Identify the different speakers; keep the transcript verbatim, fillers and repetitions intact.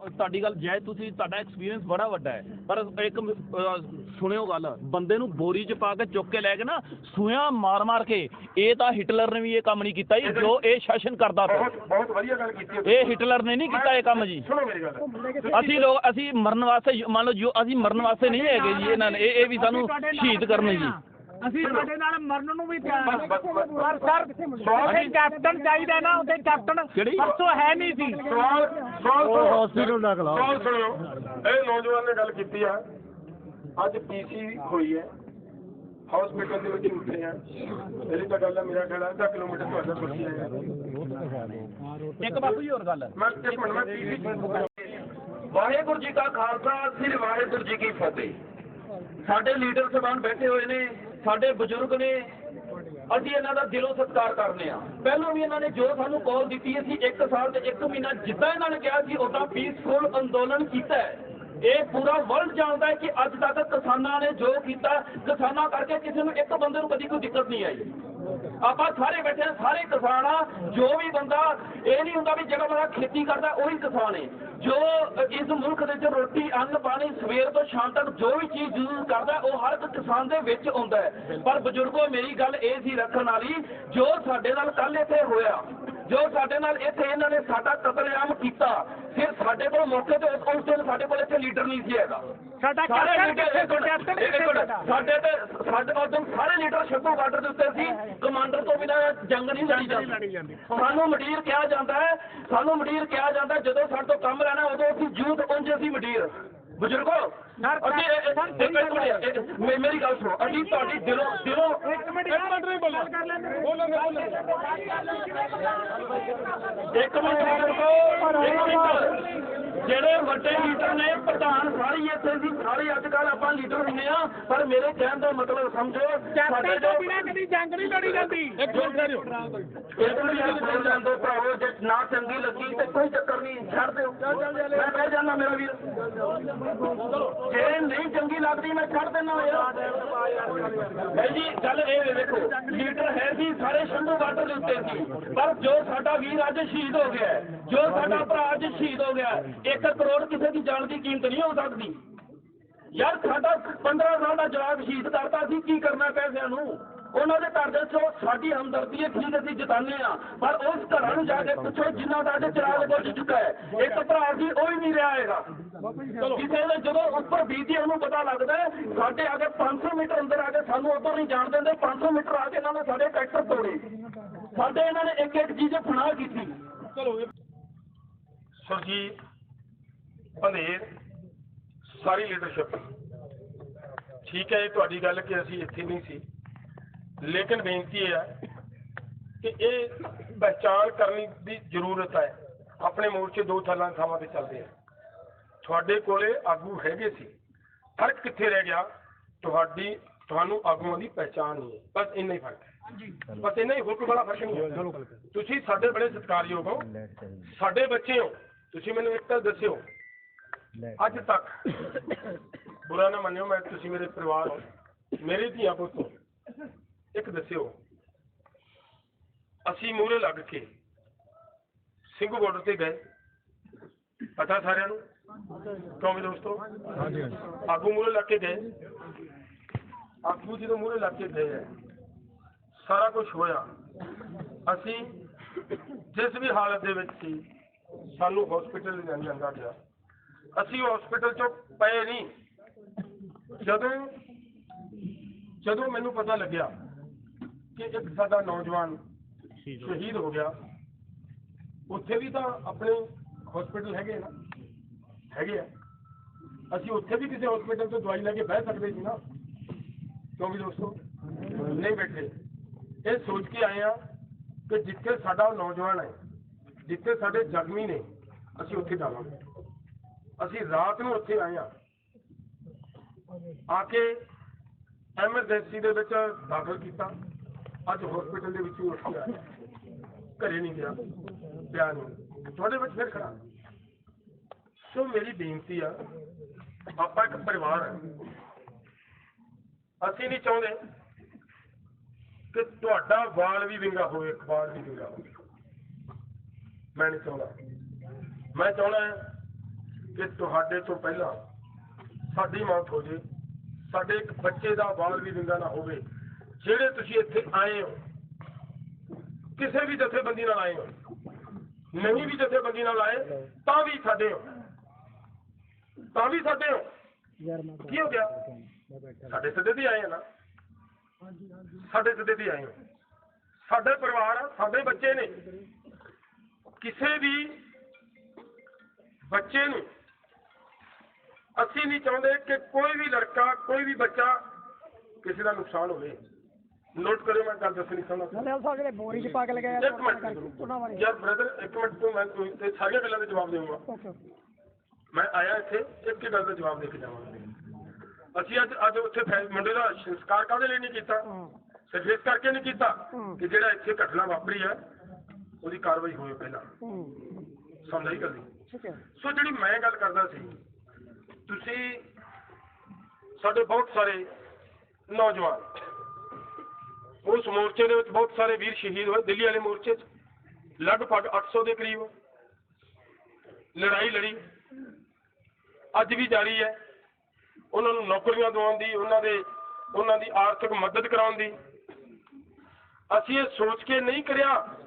Speaker 1: ਤੁਹਾਡੀ ਗੱਲ ਜੈ ਤੁਸੀਂ ਤੁਹਾਡਾ ਐਕਸਪੀਰੀਅੰਸ ਬੜਾ ਵੱਡਾ ਹੈ ਪਰ ਇੱਕ ਸੁਣਿਓ ਗੱਲ ਬੰਦੇ ਨੂੰ ਬੋਰੀ 'ਚ ਪਾ ਕੇ ਚੁੱਕ ਕੇ ਲੈ ਕੇ ਨਾ ਸੂਆਂ ਮਾਰ ਮਾਰ ਕੇ ਇਹ ਤਾਂ ਹਿਟਲਰ ਨੇ ਵੀ ਇਹ ਕੰਮ ਨਹੀਂ ਕੀਤਾ ਜੀ ਜੋ ਇਹ ਸ਼ਾਸਨ ਕਰਦਾ ਪਿਆ
Speaker 2: ਬਹੁਤ ਵਧੀਆ ਗੱਲ ਕੀਤੀ
Speaker 1: ਇਹ ਹਿਟਲਰ ਨੇ ਨਹੀਂ ਕੀਤਾ ਇਹ ਕੰਮ ਜੀ
Speaker 2: ਸੁਣੋ ਮੇਰੀ ਗੱਲ
Speaker 1: ਅਸੀਂ ਲੋਕ ਅਸੀਂ ਮਰਨ ਵਾਸਤੇ ਮੰਨ ਲਓ ਜੋ ਅਸੀਂ ਮਰਨ ਵਾਸਤੇ ਨਹੀਂ ਹੈਗੇ ਜੀ ਇਹਨਾਂ ਨੇ ਇਹ ਇਹ ਵੀ ਸਾਨੂੰ ਸ਼ਹੀਦ ਕਰਨੇ ਜੀ
Speaker 3: ਅਸੀਂ ਸਾਡੇ ਨਾਲ ਮਰਨ ਨੂੰ ਵੀ ਤਿਆਰ ਪਰ ਸਰ ਉੱਥੇ ਕੈਪਟਨ ਚਾਹੀਦਾ ਨਾ ਉੱਥੇ ਕੈਪਟਨ ਪਰਸੋਂ ਹੈ ਨਹੀਂ ਸੀ
Speaker 2: ਸਵਾਲ ਸਵਾਲ ਹਸਪੀਟਲ ਦਾ ਖਿਲਾਫ ਸਵਾਲ ਸੁਣਿਓ ਇਹ ਨੌਜਵਾਨ ਨੇ ਗੱਲ ਕੀਤੀ ਆ ਅੱਜ ਪੀਸੀ ਹੋਈ ਹੈ ਹਸਪੀਟਲ ਦੇ ਵਿੱਚ ਉੱਠੇ ਆ ਮੇਰੀ ਤਾਂ ਗੱਲ ਹੈ ਮੇਰਾ ਖਿਆਲ ਅੱਧਾ ਕਿਲੋਮੀਟਰ ਤੁਹਾਡਾ ਕੁਰਸੀ ਹੈ
Speaker 1: ਇੱਕ ਬਾਪੂ ਜੀ ਹੋਰ ਗੱਲ
Speaker 2: ਮੈਂ ਇੱਕ ਮਿੰਟ ਮੈਂ ਪੀਸੀ
Speaker 1: ਵਾਹਿਗੁਰੂ ਜੀ ਕਾ ਖਾਲਸਾ ਸ੍ਰੀ ਵਾਹਿਗੁਰੂ ਜੀ ਕੀ ਫਤਿਹ ਸਾਡੇ ਲੀਡਰ ਸਾਹਿਬਾਨ ਬੈਠੇ ਹੋਏ ਨੇ ਸਾਡੇ ਬਜ਼ੁਰਗ ਨੇ ਅਸੀਂ ਇਹਨਾਂ ਦਾ ਦਿਲੋਂ ਸਤਿਕਾਰ ਕਰਦੇ ਆ ਪਹਿਲਾਂ ਵੀ ਇਹਨਾਂ ਨੇ ਜੋ ਸਾਨੂੰ ਕਾਲ ਦਿੱਤੀ ਅਸੀਂ ਇੱਕ ਸਾਲ ਤੇ ਇੱਕ ਮਹੀਨਾ ਜਿੱਦਾਂ ਇਹਨਾਂ ਨੇ ਕਿਹਾ ਸੀ ਉਦਾਂ ਪੀਸਫੁਲ ਅੰਦੋਲਨ ਕੀਤਾ ਹੈ ਇਹ ਪੂਰਾ ਵਰਲਡ ਜਾਣਦਾ ਹੈ ਕਿ ਅੱਜ ਤੱਕ ਕਿਸਾਨਾਂ ਨੇ ਜੋ ਕੀਤਾ ਕਿਸਾਨਾਂ ਕਰਕੇ ਕਿਸੇ ਨੂੰ ਇੱਕ ਬੰਦੇ ਨੂੰ ਕਦੀ ਕੋਈ ਦਿੱਕਤ ਨਹੀਂ ਆਈ ਆਪਾਂ ਸਾਰੇ ਬੈਠੇ ਹਾਂ ਸਾਰੇ ਕਿਸਾਨ ਆ ਜੋ ਵੀ ਬੰਦਾ ਇਹ ਨਹੀਂ ਹੁੰਦਾ ਵੀ ਜਿਹੜਾ ਬੰਦਾ ਖੇਤੀ ਕਰਦਾ ਉਹੀ ਕਿਸਾਨ ਹੈ ਜੋ ਇਸ ਮੁਲਕ ਦੇ ਵਿੱਚ ਰੋਟੀ ਅੰਨ ਪਾਣੀ ਸਵੇਰ ਤੋਂ ਸ਼ਾਮ ਤੱਕ ਜੋ ਵੀ ਚੀਜ਼ ਯੂਜ਼ ਕਰਦਾ ਉਹ ਹਰ ਇੱਕ ਕਿਸਾਨ ਦੇ ਵਿੱਚ ਆਉਂਦਾ ਹੈ ਪਰ ਬਜ਼ੁਰਗੋ ਮੇਰੀ ਗੱਲ ਇਹ ਸੀ ਰੱਖਣ ਵਾਲੀ ਜੋ ਸਾਡੇ ਨਾਲ ਕੱਲ ਇੱਥੇ ਹੋਇਆ ਜੋ ਸਾਡੇ ਨਾਲ ਇੱਥੇ ਇਹਨਾਂ ਨੇ ਸਾਡਾ ਕਤਲੇਆਮ ਕੀਤਾ ਫਿਰ ਸਾਡੇ ਕੋਲ ਮੌਕੇ ਤੇ ਉਸ ਦਿਨ ਸਾਡੇ ਕੋਲ ਇੱਥੇ ਲੀਡਰ ਨਹੀਂ ਸੀ ਹੈਗਾ
Speaker 3: ਸਾਡਾ
Speaker 1: ਸਾਰੇ ਲੀਡਰ ਸਾਡੇ ਤੇ ਸਾਡੇ ਉਦੋਂ ਸਾਰੇ ਲੀਡਰ ਸ਼ੱਕੂ ਬਾਰਡਰ ਦੇ ਉੱਤੇ ਸੀ ਕਮਾਂਡਰ ਤੋਂ ਬਿਨਾਂ ਜੰਗ ਨਹੀਂ ਲੜੀ ਜਾਂਦੀ ਸਾਨੂੰ ਮੰਡੀਰ ਕਿਹਾ ਜਾਂਦਾ ਹੈ ਸਾਨੂੰ ਮੰਡੀਰ ਕਿਹਾ ਜਾਂਦਾ ਜਦੋਂ ਸਾਡੇ ਤੋਂ ਕੰਮ ਰਹਿਣਾ ਉਦੋਂ ਅਸੀਂ ਯੂਥ ਪਹੁੰਚੇ ਸੀ ਮੰਡੀਰ ਬਜ਼ੁਰਗੋ ਅਸੀਂ ਮੇਰੀ ਗੱਲ ਸੁਣੋ ਅਸੀਂ ਤੁਹਾਡੀ ਦਿਲੋਂ ਦਿਲੋਂ
Speaker 3: ਇੱਕ ਮਿੰਟ ਨਹੀਂ ਬੋਲੋ
Speaker 1: ਇੱਕ ਮਿੰਟ ਇੱਕ ਮਿੰਟ ਜਿਹੜੇ ਵੱਡੇ ਲੀਡਰ ਨੇ ਪ੍ਰਧਾਨ ਸਾਰੇ ਇੱਥੇ ਸੀ ਸਾਰੇ ਅੱਜ ਕੱਲ੍ਹ ਆਪਾਂ ਲੀਡਰ ਹੁੰਦੇ ਆ ਪਰ ਮੇਰੇ ਕਹਿਣ ਦਾ ਮਤਲਬ ਸਮਝੋ ਸਾਡੇ ਤੋਂ
Speaker 3: ਬਿਨਾਂ ਕਦੀ ਜੰਗ ਨਹੀਂ ਲੜੀ ਜਾਂਦੀ
Speaker 1: ਇੱਕ ਮਿੰਟ ਜਾਂਦੇ ਭਰਾਵੋ ਜੇ ਨਾ ਚੰਗੀ ਲੱਗੀ ਤੇ ਕੋਈ ਚੱਕਰ ਨਹੀਂ ਛੱਡ ਦਿਓ ਮੈਂ ਕਹਿ ਜਾਂਦਾ ਮੇਰਾ ਵੀਰ ਜੇ ਨਹੀਂ ਚੰਗੀ ਲੱਗਦੀ ਮੈਂ ਛੱਡ ਦਿੰਦਾ ਯਾਰ ਭਾਈ ਜੀ ਗੱਲ ਇਹ ਵੇਖੋ ਲੀਡਰ ਹੈ ਸੀ ਸਾਰੇ ਸ਼ੰਭੂ ਬਾਰਡਰ ਦੇ ਉੱਤੇ ਸੀ ਪਰ ਜੋ ਸਾਡਾ ਵੀਰ ਅੱਜ ਸ਼ਹੀਦ ਹੋ ਗਿਆ ਜੋ ਸਾਡਾ ਭਰਾ ਅੱਜ ਸ਼ਹੀਦ ਹੋ ਗਿਆ ਇੱਕ ਕਰੋੜ ਕਿਸੇ ਦੀ ਜਾਨ ਦੀ ਕੀਮਤ ਨਹੀਂ ਹੋ ਸਕਦੀ ਯਾਰ ਸਾਡਾ ਪੰਦਰਾਂ ਸਾਲ ਦਾ ਜਵਾਕ ਸ਼ਹੀਦ ਕਰਤਾ ਸੀ ਕੀ ਕਰਨਾ ਪੈਸਿਆਂ ਨੂੰ ਉਹਨਾਂ ਦੇ ਘਰ ਦੇ ਚੋਂ ਸਾਡੀ ਹਮਦਰਦੀ ਹੈ ਠੀਕ ਅਸੀਂ ਜਿਤਾਨੇ ਆ ਪਰ ਉਸ ਘਰਾਂ ਨੂੰ ਜਾ ਕੇ ਪੁੱਛੋ ਜਿੰਨਾ ਦਾ ਅੱਜ ਚਿਰਾਗ ਬੁੱਝ ਚੁੱਕਾ ਹੈ ਇੱਕ ਭਰਾ ਸੀ ਉਹ ਵੀ ਨਹੀਂ ਰਿਹਾ ਹੈਗਾ ਕਿਸੇ ਨੇ ਜਦੋਂ ਉੱਪਰ ਬੀਤੀ ਉਹਨੂੰ ਪਤਾ ਲੱਗਦਾ ਸਾਡੇ ਅਗਰ ਪੰਜ ਸੌ ਮੀਟਰ ਅੰਦਰ ਆ ਕੇ ਸਾਨੂੰ ਉੱਧਰ ਨਹੀਂ ਜਾਣ ਦਿੰਦੇ ਪੰਜ ਸੌ ਮੀਟਰ ਆ ਕੇ ਇਹਨਾਂ ਨੇ ਸਾਡੇ ਟਰੈਕਟਰ ਤੋੜੇ ਸਾਡੇ ਇਹਨਾਂ ਨੇ ਇੱਕ ਇੱਕ ਚੀਜ਼ ਫਨਾਹ ਕੀਤੀ ਚਲੋ
Speaker 2: ਸੁਰਜੀਤ ਪੰਧੇਰ ਸਾਰੀ ਲੀਡਰਸ਼ਿਪ ਠੀਕ ਹੈ ਇਹ ਤੁਹਾਡੀ ਗੱਲ ਕਿ ਅਸੀਂ ਇੱਥੇ ਨਹੀਂ ਸੀ ਲੇਕਿਨ ਬੇਨਤੀ ਇਹ ਹੈ ਕਿ ਇਹ ਪਹਿਚਾਣ ਕਰਨੀ ਦੀ ਜ਼ਰੂਰਤ ਹੈ ਆਪਣੇ ਮੋਰਚੇ ਦੋ ਥਾਲਾਂ ਥਾਵਾਂ ਤੇ ਚੱਲਦੇ ਆ ਤੁਹਾਡੇ ਕੋਲੇ ਆਗੂ ਹੈਗੇ ਸੀ ਫਰਕ ਕਿੱਥੇ ਰਹਿ ਗਿਆ ਤੁਹਾਡੀ ਤੁਹਾਨੂੰ ਆਗੂਆਂ ਦੀ ਪਹਿਚਾਣ ਨਹੀਂ ਹੈ ਬਸ ਇੰਨਾ ਹੀ ਫਰਕ ਹੈ ਬਸ ਇੰਨਾ ਹੀ ਹੋਰ ਕੋਈ ਬੜਾ ਫਰਕ ਨਹੀਂ ਹੈ ਤੁਸੀਂ ਸਾਡੇ ਬੜੇ ਸਤਿਕਾਰਯੋਗ ਹੋ ਸਾਡੇ ਬੱਚੇ ਹੋ ਤੁਸੀਂ ਮੈਨੂੰ ਇੱਕ ਤਾਂ ਦੱਸਿਓ ਅੱਜ ਤੱਕ ਬੁਰਾ ਨਾ ਮੰਨਿਓ ਮੈਂ ਤੁਸੀਂ ਮੇਰੇ ਪਰਿਵਾਰ ਹੋ ਮੇਰੇ ਧੀਆਂ ਪੁੱਤ ਹੋ ਇੱਕ ਦੱਸਿਓ ਅਸੀਂ ਮੂਹਰੇ ਲੱਗ ਕੇ ਸਿੰਘੂ ਬਾਰਡਰ ਤੇ ਗਏ ਪਤਾ ਸਾਰਿਆਂ ਨੂੰ ਕਿਉਂ ਵੀ ਦੋਸਤੋ ਆਗੂ ਮੂਹਰੇ ਲੱਗ ਕੇ ਗਏ ਆਗੂ ਜਦੋਂ ਮੂਹਰੇ ਲੱਗ ਕੇ ਗਏ ਹੈ ਸਾਰਾ ਕੁਝ ਹੋਇਆ ਅਸੀਂ ਜਿਸ ਵੀ ਹਾਲਤ ਦੇ ਵਿੱਚ ਸੀ ਸਾਨੂੰ ਹਸਪੀਟਲ ਲੈ ਜਾਂਦਾ ਗਿਆ ਅਸੀਂ ਹਸਪੀਟਲ ਚੋਂ ਪਏ ਨਹੀਂ ਜਦੋਂ ਜਦੋਂ ਮੈਨੂੰ ਪਤਾ ਲੱਗਿਆ ਕਿ ਇੱਕ ਸਾਡਾ ਨੌਜਵਾਨ ਸ਼ਹੀਦ ਹੋ ਗਿਆ ਉੱਥੇ ਵੀ ਤਾਂ ਆਪਣੇ ਹਸਪੀਟਲ ਹੈਗੇ ਨਾ ਹੈਗੇ ਆ ਅਸੀਂ ਉੱਥੇ ਵੀ ਕਿਸੇ ਹਸਪੀਟਲ ਤੋਂ ਦਵਾਈ ਲੈ ਕੇ ਬਹਿ ਸਕਦੇ ਸੀ ਨਾ ਕਿਉਂ ਵੀ ਦੋਸਤੋ ਨਹੀਂ ਬੈਠੇ ਇਹ ਸੋਚ ਕੇ ਆਏ ਆ ਕਿ ਜਿੱਥੇ ਸਾਡਾ ਨੌਜਵਾਨ ਹੈ ਜਿੱਥੇ ਸਾਡੇ ਜ਼ਖਮੀ ਨੇ ਅਸੀਂ ਉੱਥੇ ਜਾਵਾਂਗੇ ਅਸੀਂ ਰਾਤ ਨੂੰ ਉੱਥੇ ਆਏ ਆ ਆ ਕੇ ਐਮਰਜੈਂਸੀ ਦੇ ਵਿੱਚ ਦਾਖਲ ਕੀਤਾ ਅੱਜ ਹਸਪੀਟਲ ਦੇ ਵਿੱਚ ਉੱਠ ਕੇ ਆਇਆ ਘਰੇ ਨਹੀਂ ਗਿਆ ਪਿਆ ਨਹੀਂ ਤੁਹਾਡੇ ਵਿੱਚ ਫਿਰ ਖੜਾ ਸੋ ਮੇਰੀ ਬੇਨਤੀ ਆ ਆਪਾਂ ਇੱਕ ਪਰਿਵਾਰ ਹੈ ਅਸੀਂ ਨਹੀਂ ਚਾਹੁੰਦੇ ਕਿ ਤੁਹਾਡਾ ਵਾਲ ਵੀ ਵਿੰਗਾ ਹੋਵੇ ਅਖਬਾਰ ਵੀ ਵਿੰਗਾ ਹੋਵੇ ਮੈਂ ਨਹੀਂ ਚਾਹੁੰਦਾ ਮੈਂ ਚਾਹੁੰਦਾ ਕਿ ਤੁਹਾਡੇ ਤੋਂ ਪਹਿਲਾਂ ਸਾਡੀ ਮੌਤ ਹੋ ਜੇ, ਸਾਡੇ ਇੱਕ ਬੱਚੇ ਦਾ ਵਾਲ ਵੀ ਵਿੰਗਾ ਨਾ ਹੋਵੇ। ਜਿਹੜੇ ਤੁਸੀਂ ਇੱਥੇ ਆਏ ਹੋ, ਕਿਸੇ ਵੀ ਜਥੇਬੰਦੀ ਨਾਲ ਆਏ ਹੋ, ਨਹੀਂ ਵੀ ਜਥੇਬੰਦੀ ਨਾਲ ਆਏ ਤਾਂ ਵੀ ਸਾਡੇ ਹੋ, ਤਾਂ ਵੀ ਸਾਡੇ ਹੋ। ਕੀ ਹੋ ਗਿਆ? ਸਾਡੇ ਸੱਦੇ ਤੇ ਆਏ ਆ ਨਾ, ਸਾਡੇ ਸੱਦੇ ਤੇ ਆਏ ਹੋ। ਸਾਡੇ ਪਰਿਵਾਰ ਆ, ਸਾਡੇ ਬੱਚੇ ਨੇ। ਕਿਸੇ ਵੀ ਬੱਚੇ ਨੂੰ ਅਸੀਂ ਨਹੀਂ ਚਾਹੁੰਦੇ ਕਿ ਕੋਈ ਵੀ ਲੜਕਾ, ਕੋਈ ਵੀ ਬੱਚਾ ਕਿਸੇ ਦਾ ਨੁਕਸਾਨ ਹੋਵੇ। ਨੋਟ ਕਰਿਓ, ਮੈਂ ਗੱਲ ਦੱਸਣੀ ਚਾਹੁੰਦਾ।
Speaker 3: ਬੋਰੀ ਚ ਪਾ ਕੇ ਲਗਾਇਆ
Speaker 2: ਇੱਕ ਮਿੰਟ ਯਾਰ ਬ੍ਰਦਰ, ਇੱਕ ਮਿੰਟ ਤੋਂ ਮੈਂ ਤੇ ਸਾਰੀਆਂ ਗੱਲਾਂ ਦੇ ਜਵਾਬ ਦੇਵਾਂਗਾ। ਮੈਂ ਆਇਆ ਇੱਥੇ ਇੱਕ ਹੀ ਗੱਲ ਦਾ ਜਵਾਬ ਦੇ ਕੇ ਜਾਵਾਂਗਾ। ਅਸੀਂ ਅੱਜ ਅੱਜ ਉੱਥੇ ਮੁੰਡੇ ਦਾ ਸੰਸਕਾਰ ਕਾਹਦੇ ਲਈ ਨਹੀਂ ਕੀਤਾ? ਸਿਰਫ ਇਸ ਕਰਕੇ ਨਹੀਂ ਕੀਤਾ ਕਿ ਜਿਹੜਾ ਇੱਥੇ ਘਟਨਾ ਵਾਪਰੀ ਹੈ ਉਹਦੀ ਕਾਰਵਾਈ ਹੋਵੇ ਪਹਿਲਾਂ। ਸਮਝ ਆਈ ਗੱਲ ਦੀ? ਸੋ ਜਿਹੜੀ ਮੈਂ ਗੱਲ ਕਰਦਾ ਸੀ, ਤੁਸੀਂ ਸਾਡੇ ਬਹੁਤ ਸਾਰੇ ਨੌਜਵਾਨ ਉਸ ਮੋਰਚੇ ਦੇ ਵਿੱਚ ਬਹੁਤ ਸਾਰੇ ਵੀਰ ਸ਼ਹੀਦ ਹੋਏ। ਦਿੱਲੀ ਵਾਲੇ ਮੋਰਚੇ 'ਚ ਲਗਭਗ ਅੱਠ ਸੌ ਦੇ ਕਰੀਬ ਲੜਾਈ ਲੜੀ, ਅੱਜ ਵੀ ਜਾਰੀ ਹੈ। ਉਹਨਾਂ ਨੂੰ ਨੌਕਰੀਆਂ ਦਿਵਾਉਣ ਦੀ, ਉਹਨਾਂ ਦੇ ਉਹਨਾਂ ਦੀ ਆਰਥਿਕ ਮਦਦ ਕਰਾਉਣ ਦੀ ਅਸੀਂ ਇਹ ਸੋਚ ਕੇ ਨਹੀਂ ਕਰਿਆ